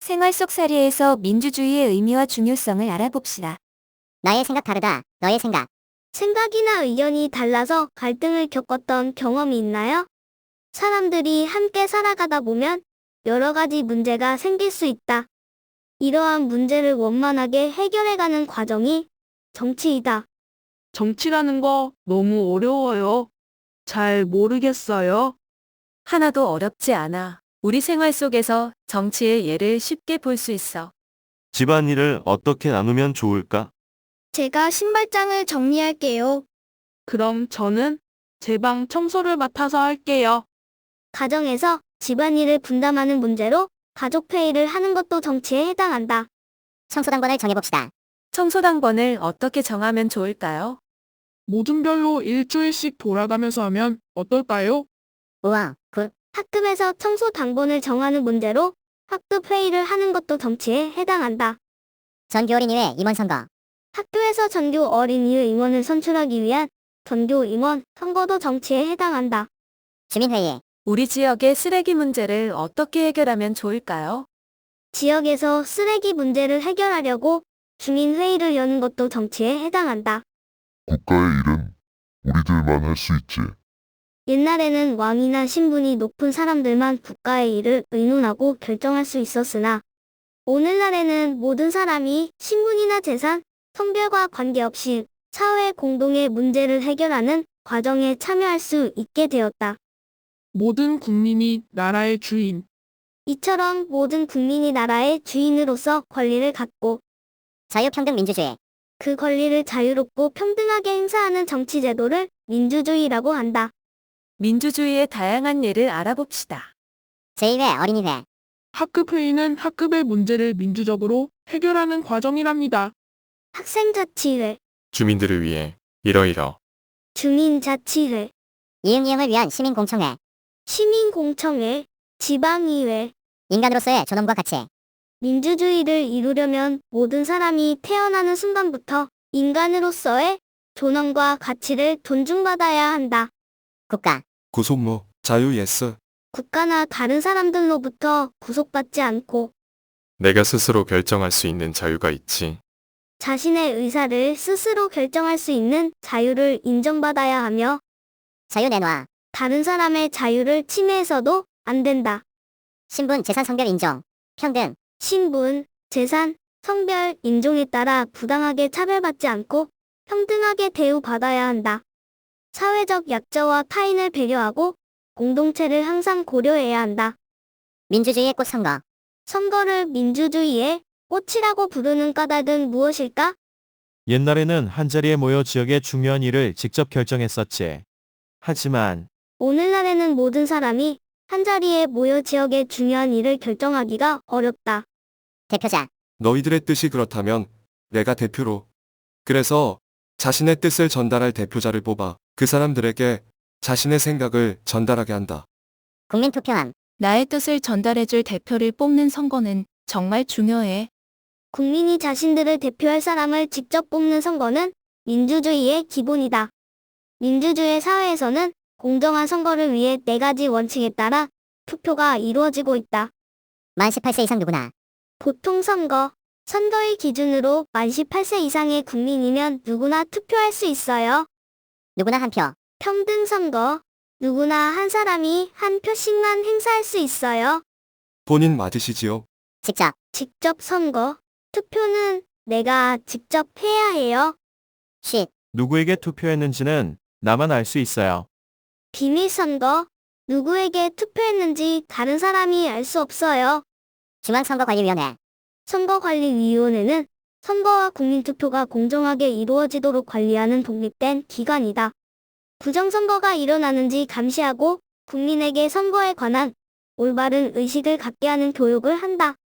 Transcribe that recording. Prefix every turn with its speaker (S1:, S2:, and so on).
S1: 생활 속 사례에서 민주주의의 의미와 중요성을 알아봅시다.
S2: 나의 생각 다르다. 너의 생각.
S3: 생각이나 의견이 달라서 갈등을 겪었던 경험이 있나요? 사람들이 함께 살아가다 보면 여러 가지 문제가 생길 수 있다. 이러한 문제를 원만하게 해결해가는 과정이 정치이다.
S4: 정치라는 거 너무 어려워요. 잘 모르겠어요.
S1: 하나도 어렵지 않아. 우리 생활 속에서 정치의 예를 쉽게 볼 수 있어.
S5: 집안일을 어떻게 나누면 좋을까?
S3: 제가 신발장을 정리할게요.
S4: 그럼 저는 제 방 청소를 맡아서 할게요.
S3: 가정에서 집안일을 분담하는 문제로 가족회의를 하는 것도 정치에 해당한다.
S2: 청소당번을 정해봅시다.
S1: 청소당번을 어떻게 정하면 좋을까요?
S6: 모든 별로 일주일씩 돌아가면서 하면 어떨까요?
S2: 우와, 굿.
S3: 학급에서 청소 당번을 정하는 문제로 학급 회의를 하는 것도 정치에 해당한다.
S2: 전교 어린이회 임원 선거.
S3: 학교에서 전교 어린이의 임원을 선출하기 위한 전교 임원 선거도 정치에 해당한다.
S2: 주민회의.
S1: 우리 지역의 쓰레기 문제를 어떻게 해결하면 좋을까요?
S3: 지역에서 쓰레기 문제를 해결하려고 주민회의를 여는 것도 정치에 해당한다.
S7: 국가의 일은 우리들만 할 수 있지.
S3: 옛날에는 왕이나 신분이 높은 사람들만 국가의 일을 의논하고 결정할 수 있었으나 오늘날에는 모든 사람이 신분이나 재산, 성별과 관계없이 사회 공동의 문제를 해결하는 과정에 참여할 수 있게 되었다.
S6: 모든 국민이 나라의 주인.
S3: 이처럼 모든 국민이 나라의 주인으로서 권리를 갖고
S2: 자유평등민주주의.
S3: 그 권리를 자유롭고 평등하게 행사하는 정치 제도를 민주주의라고 한다.
S1: 민주주의의 다양한 예를 알아봅시다.
S2: 제2회 어린이회.
S6: 학급회의는 학급의 문제를 민주적으로 해결하는 과정이랍니다.
S3: 학생자치회,
S8: 주민들을 위해 이러이러
S3: 주민자치회,
S2: 이응이응을 위한 시민공청회.
S3: 시민공청회, 지방의회.
S2: 인간으로서의 존엄과 가치.
S3: 민주주의를 이루려면 모든 사람이 태어나는 순간부터 인간으로서의 존엄과 가치를 존중받아야 한다.
S2: 국가.
S8: 구속무 자유 예스
S3: 국가나 다른 사람들로부터 구속받지 않고
S8: 내가 스스로 결정할 수 있는 자유가 있지.
S3: 자신의 의사를 스스로 결정할 수 있는 자유를 인정받아야 하며
S2: 자유 내놔.
S3: 다른 사람의 자유를 침해해서도 안 된다.
S2: 신분, 재산, 성별 인정. 평등.
S3: 신분, 재산, 성별, 인종에 따라 부당하게 차별받지 않고 평등하게 대우받아야 한다. 사회적 약자와 타인을 배려하고 공동체를 항상 고려해야 한다.
S2: 민주주의의 꽃 선거.
S3: 선거를 민주주의의 꽃이라고 부르는 까닭은 무엇일까?
S5: 옛날에는 한자리에 모여 지역의 중요한 일을 직접 결정했었지. 하지만
S3: 오늘날에는 모든 사람이 한자리에 모여 지역의 중요한 일을 결정하기가 어렵다.
S2: 대표자.
S8: 너희들의 뜻이 그렇다면 내가 대표로. 그래서 자신의 뜻을 전달할 대표자를 뽑아 그 사람들에게 자신의 생각을 전달하게 한다.
S2: 국민투표함.
S9: 나의 뜻을 전달해줄 대표를 뽑는 선거는 정말 중요해.
S3: 국민이 자신들을 대표할 사람을 직접 뽑는 선거는 민주주의의 기본이다. 민주주의 사회에서는 공정한 선거를 위해 4가지 원칙에 따라 투표가 이루어지고 있다.
S2: 만 18세 이상 누구나.
S3: 보통선거, 선거의 기준으로 만 18세 이상의 국민이면 누구나 투표할 수 있어요.
S2: 누구나 한 표.
S3: 평등선거, 누구나 한 사람이 한 표씩만 행사할 수 있어요.
S8: 본인 맞으시지요?
S2: 직접.
S3: 직접 선거, 투표는 내가 직접 해야 해요.
S2: 쉿.
S5: 누구에게 투표했는지는 나만 알 수 있어요.
S3: 비밀선거, 누구에게 투표했는지 다른 사람이 알 수 없어요.
S2: 중앙선거관리위원회.
S3: 선거관리위원회는 선거와 국민투표가 공정하게 이루어지도록 관리하는 독립된 기관이다. 부정선거가 일어나는지 감시하고 국민에게 선거에 관한 올바른 의식을 갖게 하는 교육을 한다.